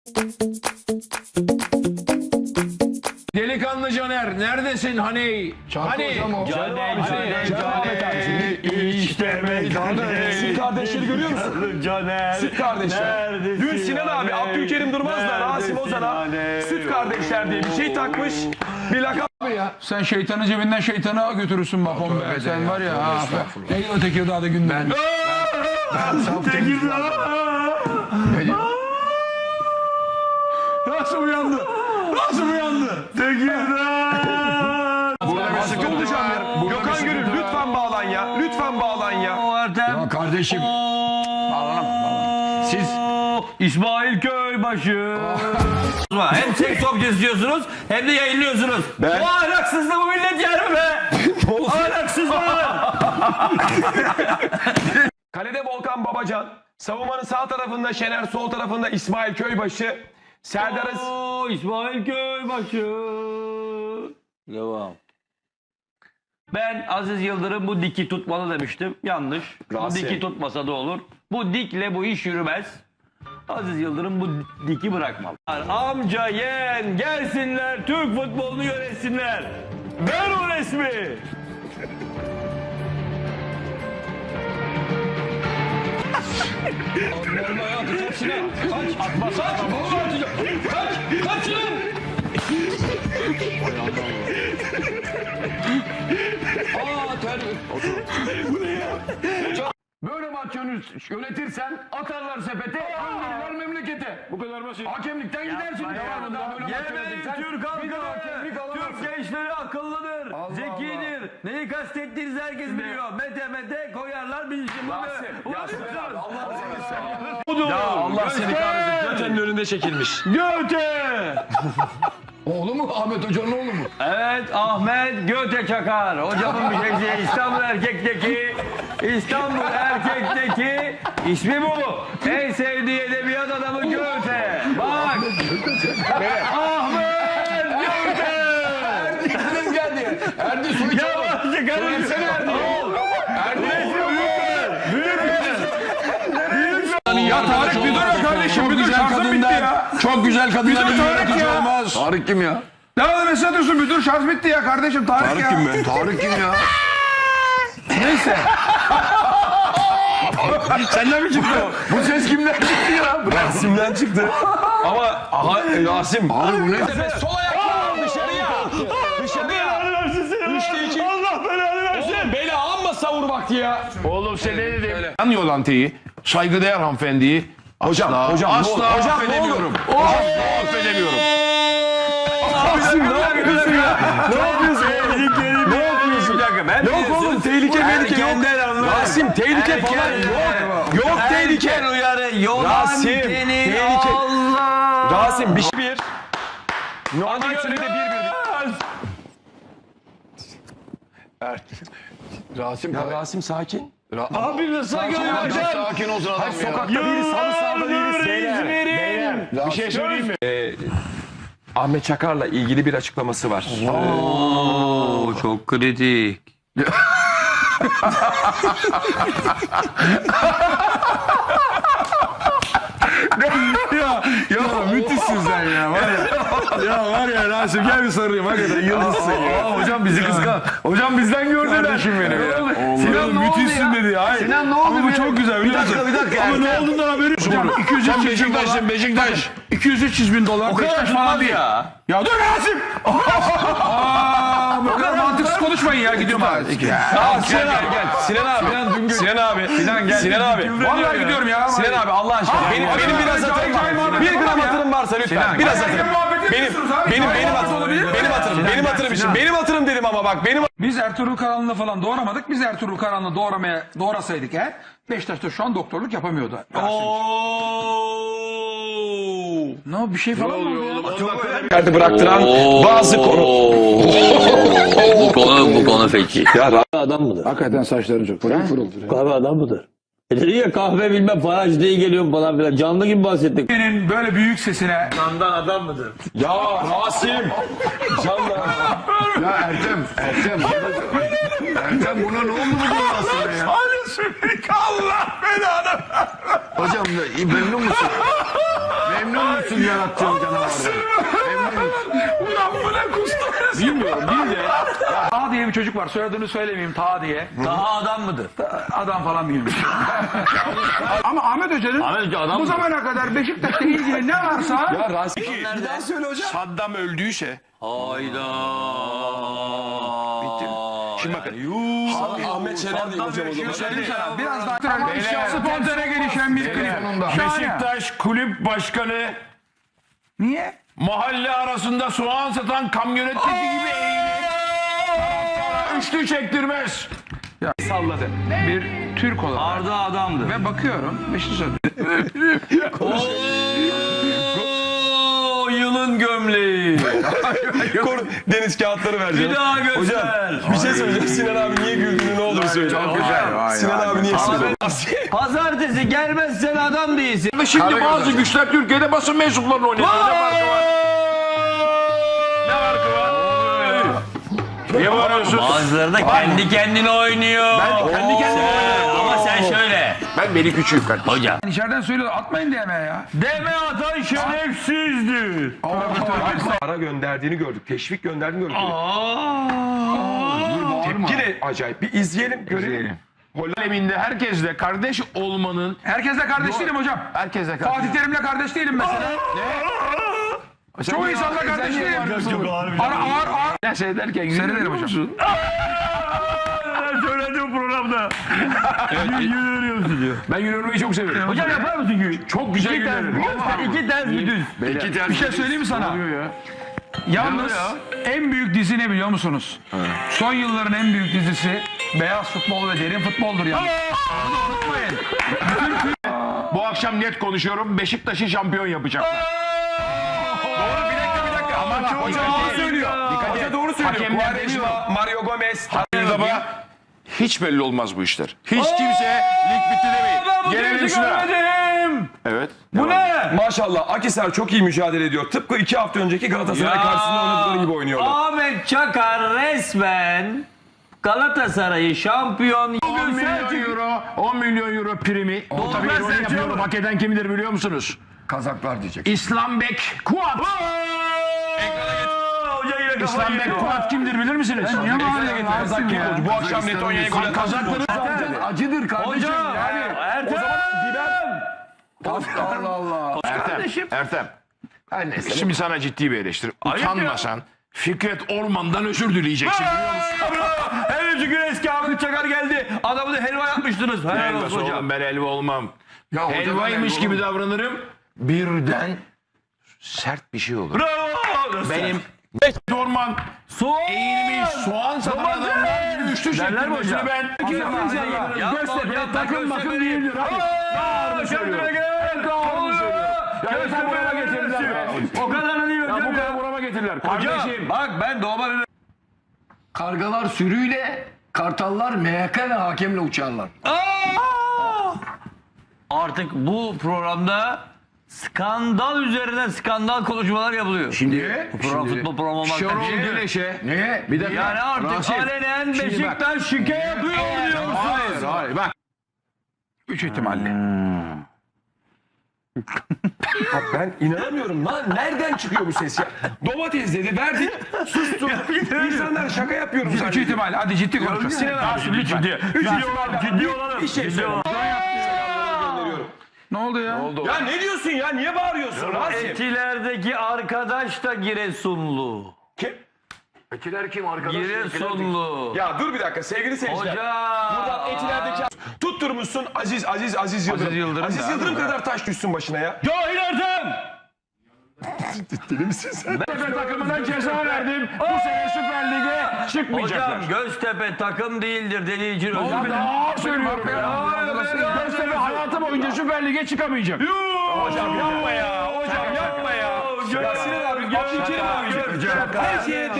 Delikanlı Caner neredesin hani? Hani? İşte meydanı. Süt kardeşleri görüyor musun? Caner. Süt kardeşler. Dün Sinan abi, Abdülkerim Durmaz'la Rasim Ozan'a Süt kardeşler diye bir şey takmış. Bir lakap ya. Sen şeytanı cebinden şeytana götürürsün bak on be. Sen var ya. Neydi o Tekirdağ'da gündem? Nasıl uyandı? Nasıl uyandı? Burada bir sıkıntı yaşanıyor. Gökhan Gönül lütfen bağlan ya. Lütfen bağlan ya. Ya kardeşim. Siz İsmail Köybaşı. Hem seks objesi diyorsunuz hem de yayınlıyorsunuz. Bu ahlaksızlığı bu millet yer mi be? Ahlaksızlığı. Kalede Volkan Babacan. Savunmanın sağ tarafında Şener, sol tarafında İsmail Köybaşı. Serdar'ız. İsmail Köybaşı. Devam. Ben Aziz Yıldırım bu diki tutmalı demiştim. Yanlış. Bu Rasim. diki tutmasa da olur. Bu dikle bu iş yürümez. Aziz Yıldırım bu diki bırakmalı. Amca yeğen gelsinler Türk futbolunu yönetsinler. Ver o resmi. Böyle maç yönetirsen atarlar sepete, gönderirler memlekete. Bu kadar basit. Hakemlikten gidersin. Devamında böyle maç yönetirsen. Türk halkı, bir de hakemlik alamazsın. Türk gençleri akıllıdır, zekidir. Neyi kastettiğinizi herkes biliyor. Mete koyarlar bir işin bunu. Ya Allah seni kahretsin. Göte'nin önünde çekilmiş. Göte! Oğlu mu? Ahmet Hoca'nın oğlu mu? Evet, Ahmet Göte Çakar. Hocamın bir şeysi İstanbul Erkek'teki ismi bu. En sevdiği edebiyat adamı Göte. Bak. Ahmet Göte. Erdi geldi. Erdi su içemez. Yavaş çıkarın. Ya Tarık bir dur ya kardeşim. Bir dur, şarjım bitti ya. Çok güzel kadınlar bir Tarık yönetici ya. olmaz. Tarık kim ya? Devam mesaj diyorsun. Bir dur, şarj bitti ya kardeşim. Tarık ya. Tarık kim ya? Neyse. Senden mi çıktı o? Bu ses kimden çıktı ya? Rasim'den çıktı. Ama Rasim. Abi bu ne? Sol ayakla dışarıya. Dışarıya. Üçte iki. Allah belanı versin. Oğlum beni amma savur vakti ya. Oğlum sen ne dedim? Yan yolanteyi, saygıdeğer hanımefendiyi Hocam, hocam, asla affedemiyorum. Asla affedemiyorum. Rasim ne yapıyorsun ya? Ne yapıyorsun? Ne yapıyorsun? Yok oğlum tehlike yok. Rasim tehlike falan yok. Yok tehlike. Rasim tehlike. Rasim bir. Normal sürede bir. Rasim, Ya Rasim sakin. Abi nasıl sakin olsun adam ya. Sokakta değiliz, halı sahada değiliz. Beyler. Bir şey söyleyeyim mi? Ahmet Çakar'la ilgili bir açıklaması var. Oo, çok kritik. Ya müthişsin sen ya. Var ya. Ya var ya Rasim gel bir sarılayım. Hakikaten yıldızsın ya. Hocam bizi kıskan. Hocam bizden gördüler. Kardeşim benim ya. Sinan ne oldu müthişsin ya? dedi ya. Hayır. Sinan ne oldu? Ama bu çok güzel biliyor musun? Bir dakika. Ama ne olduğundan haberi yok. Hocam 200 Sen Beşiktaş'sın Beşiktaş. 200-300 bin dolar. O kadar Beşiktaş falan değil. Ya. Ya dur Rasim. Bu kadar mantıksız konuşmayın ya. Gidiyorum abi. Sinan abi gel. Sinan abi. Sinan abi. Sinan abi. Vallahi gidiyorum ya. Sinan abi Allah aşkına. Benim biraz hatırım var. Bir gram hatırım varsa lütfen. Biraz hatırım. Benim hatırım için. Benim hatırım dedim ama bak. Biz Ertuğrul Karanlı'nı falan doğuramadık. Biz Ertuğrul Karanlı'nı doğrasaydık eğer Beşiktaş'ta şu an doktorluk yapamıyordu. Ne o bir şey falan mı oldu ya? Yerde bıraktıran bazı konu. Bu konu peki. Adam mıdır? Hakikaten saçların çok pırıl Kahve adam mıdır? Dedi ya kahve bilmem faraj diye geliyorum falan filan. Canlı gibi bahsettik. Senin böyle büyük sesine Ya Rasim. Canla. Ya Ertem buna ne oldu bu aslında ya? Allah belanı. Hocam memnun musun? Memnun musun yarattığın canavardan? Memnun musun? Ulan bu ne kustu? Bilmiyorum değil de. Taha diye bir çocuk var. Soyadını söylemeyeyim. Taha diye. Daha adam mıdır? Adam falan değilmiş. Ama Ahmet Hoca'nın Ahmet Hoca adam bu mı? zamana kadar Beşiktaş'la ilgili ne varsa Ya Rasim. bir daha söyle hocam. Saddam öldüyse Hayda. şimdi bakın Ahmet Şener diyeyim hocam o zaman. söyleyeyim sana biraz daha spontane gelişen bir klip. Beşiktaş kulüp başkanı niye? Mahalle arasında soğan satan kamyonetteki gibi eğilir. Taraftara üçlü çektirmez. Salladı. Bir Türk olarak Arda adamdı. ve bakıyorum Beşiktaş Oo, yılın gömleği. Deniz kağıtları vereceğim. Bir daha göster. Bir şey söyleyeceğim. Sinan abi niye güldüğünü ne olur söyle. Çok güzel. Sinan abi niye söylüyor? Pazartesi gelmezsen adam değilsin. Şimdi bazı güçler Türkiye'de basın mensuplarını oynatıyor. Ne farkı var? Ne farkı var? Niye bağırıyorsun? Bazıları da kendi kendine oynuyor. Ben kendi kendime Ama sen şöyle. Ben beni küçüğüm kardeşim. Hocam. İçeriden söylüyorlar atmayın deme ya. Deme atan şerefsizdir. Para gönderdiğini gördük. Teşvik gönderdiğini gördük. Tepki de acayip. Bir izleyelim görelim. Aleminde herkesle kardeş olmanın... Herkesle kardeş değilim hocam. Herkesle kardeş. Fatih Terim'le kardeş değilim mesela. Ne? Çoğu insanla kardeş değilim. Ağır. Ne seyrederken seyrederim hocam. Ben söyledim programda. Yürüyorsun diyor. Ben yürümeyi çok severim. Hocam yapar mısın ki? Çok güzel yürüyorum. İki ters bir düz. Bir şey söyleyeyim mi sana? Yalnız en büyük dizi ne biliyor musunuz? Son yılların en büyük dizisi Beyaz Futbol ve Derin Futbol'dur yani. Bunu unutmayın. Bu akşam net konuşuyorum. Beşiktaş'ı şampiyon yapacaklar. Doğru bir dakika. Ama Hoca doğru söylüyor. Hoca doğru söylüyor. Hakemler Quaresma, Mario Gomez. hiç belli olmaz bu işler. Hiç kimse lig bitti demeyin. Gelelim şuna. Evet. Bu ne? Maşallah Akhisar çok iyi mücadele ediyor. Tıpkı 2 hafta önceki Galatasaray karşısında oynadıkları gibi oynuyorlar. Ahmet Çakar resmen Galatasaray'ı şampiyon 10 milyon euro primi. O tabii ironi yapıyorum. Hak eden kimdir biliyor musunuz? Kazaklar diyecek. İslambek Kuat. İslambek Kuat kimdir bilir misiniz? Niye mahalle getirdin? Bu akşam Letonya'ya gol atan Kazakları Acıdır kardeşim. Hocam Yani. Ertem. Allah Allah. Ertem. Şimdi sana ciddi bir eleştiri. Utanmasan Fikret Orman'dan özür dileyeceksin biliyor musun? Hele şükür eski Ahmet Çakar geldi. Adamı da helva yapmıştınız. Helal olsun Helvası hocam. oğlum, ben helva olmam. Ya hocadan Helvaymış helva gibi olur. davranırım. Birden sert bir şey olur. Bravo. Benim Orman eğilmiş soğan satan adamlar gibi üçlü çektirmesini ben... Göztepe takım bakım değildir. Kendine gel. Göztepe buraya getirdiler. O kadar değil Ya bu hocam kadar ya. burama getirdiler. Hocam Kardeşim. bak ben doğma bir... Kargalar sürüyle, kartallar MHK ve hakemle uçarlar. Artık bu programda skandal üzerine skandal konuşmalar yapılıyor. Şimdi Bu program futbol programı olmaktan Şenol şey. Güneş'e... Niye? Bir dakika. Yani artık Rasim, alenen şimdi bak. Beşiktaş şike yapıyor diyor musunuz? Hayır bak. 3 ihtimalle. Bak ben inanamıyorum lan. Nereden çıkıyor bu ses ya? Domates dedi verdik. Sustu. İnsanlar şaka yapıyorum 3 zannediyor. ihtimalle. Hadi ciddi konuşalım. Sinan abi lütfen. Ciddi olalım. Bir şey söyle. Ne oldu ya? Ya ne diyorsun ya? Niye bağırıyorsun Rasim? Etilerdeki arkadaş da Giresunlu. Kim? Etiler kim arkadaş? Giresunlu. Ya dur bir dakika sevgili seyirciler. Hocam. Buradan Etiler'deki tutturmuşsun Aziz Yıldırım. Aziz Yıldırım kadar taş düşsün başına ya. Cahil Ertem. Deli misin sen? Göztepe takımından ceza verdim. Bu sene Süper Lig'e çıkmayacaklar. Hocam Göztepe takım değildir dediği için özür dilerim. Daha söylüyorum ya. Göztepe hayatı boyunca Süper Lig'e çıkamayacak. Hocam yapma ya. Hocam yapma ya. Ya Sinan abi. Her şeye